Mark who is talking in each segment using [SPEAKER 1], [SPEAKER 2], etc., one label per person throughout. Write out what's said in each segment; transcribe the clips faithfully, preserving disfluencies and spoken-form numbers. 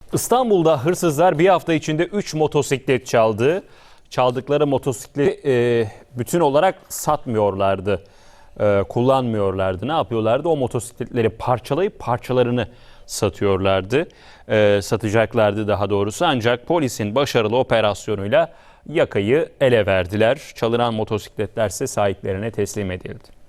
[SPEAKER 1] İstanbul'da hırsızlar bir hafta içinde üç motosiklet çaldı. Çaldıkları motosikleti e, bütün olarak satmıyorlardı, e, kullanmıyorlardı. Ne yapıyorlardı? O motosikletleri parçalayıp parçalarını satıyorlardı, e, satacaklardı daha doğrusu. Ancak polisin başarılı operasyonuyla yakayı ele verdiler. Çalınan motosikletler ise sahiplerine teslim edildi.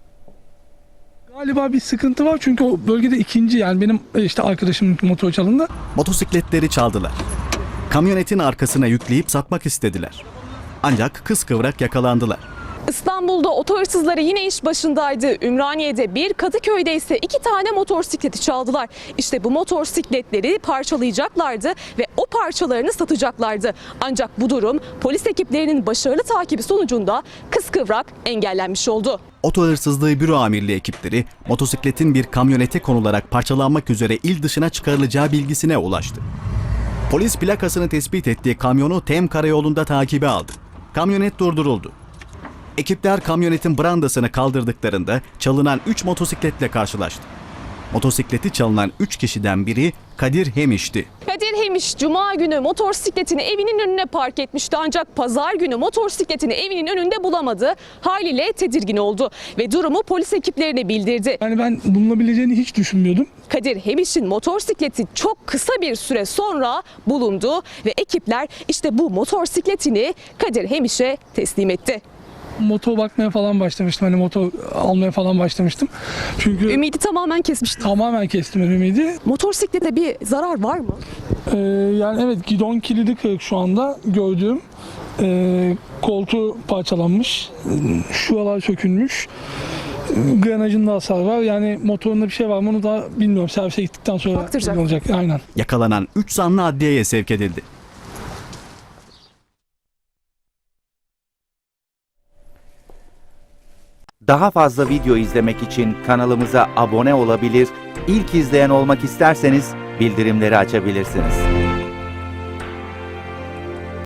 [SPEAKER 2] Galiba bir sıkıntı var çünkü o bölgede ikinci, yani benim işte arkadaşımın motor çalındı.
[SPEAKER 3] Motosikletleri çaldılar. Kamyonetin arkasına yükleyip satmak istediler. Ancak kıskıvrak yakalandılar.
[SPEAKER 4] İstanbul'da oto hırsızları yine iş başındaydı. Ümraniye'de bir, Kadıköy'de ise iki tane motosikleti çaldılar. İşte bu motosikletleri parçalayacaklardı ve o parçalarını satacaklardı. Ancak bu durum polis ekiplerinin başarılı takibi sonucunda kıskıvrak engellenmiş oldu.
[SPEAKER 3] Oto hırsızlığı büro amirliği ekipleri motosikletin bir kamyonete konularak parçalanmak üzere il dışına çıkarılacağı bilgisine ulaştı. Polis plakasını tespit ettiği kamyonu Tem Karayolu'nda takibe aldı. Kamyonet durduruldu. Ekipler kamyonetin brandasını kaldırdıklarında çalınan üç motosikletle karşılaştı. Motosikleti çalınan üç kişiden biri Kadir Hemiş'ti.
[SPEAKER 4] Kadir Hemiş Cuma günü motosikletini evinin önüne park etmişti, ancak pazar günü motosikletini evinin önünde bulamadı. Haliyle tedirgin oldu ve durumu polis ekiplerine bildirdi.
[SPEAKER 2] Yani ben bulunabileceğini hiç düşünmüyordum.
[SPEAKER 4] Kadir Hemiş'in motosikleti çok kısa bir süre sonra bulundu ve ekipler işte bu motosikletini Kadir Hemiş'e teslim etti.
[SPEAKER 2] Motor bakmaya falan başlamıştım. Hani motor almaya falan başlamıştım. Çünkü
[SPEAKER 4] Ümidi tamamen kesmişti.
[SPEAKER 2] tamamen kestim ümidi.
[SPEAKER 4] Motosiklete bir zarar var mı?
[SPEAKER 2] Ee, yani evet, gidon kilidi kırık şu anda gördüğüm. Ee, koltuğu parçalanmış. Şuralar sökülmüş. Granajında hasar var. Yani motorunda bir şey var mı onu da bilmiyorum. Servise gittikten sonra
[SPEAKER 4] Baktıracak.
[SPEAKER 2] olacak. Aynen.
[SPEAKER 3] Yakalanan üç zanlı adliyeye sevk edildi.
[SPEAKER 5] Daha fazla video izlemek için kanalımıza abone olabilir, ilk izleyen olmak isterseniz bildirimleri açabilirsiniz.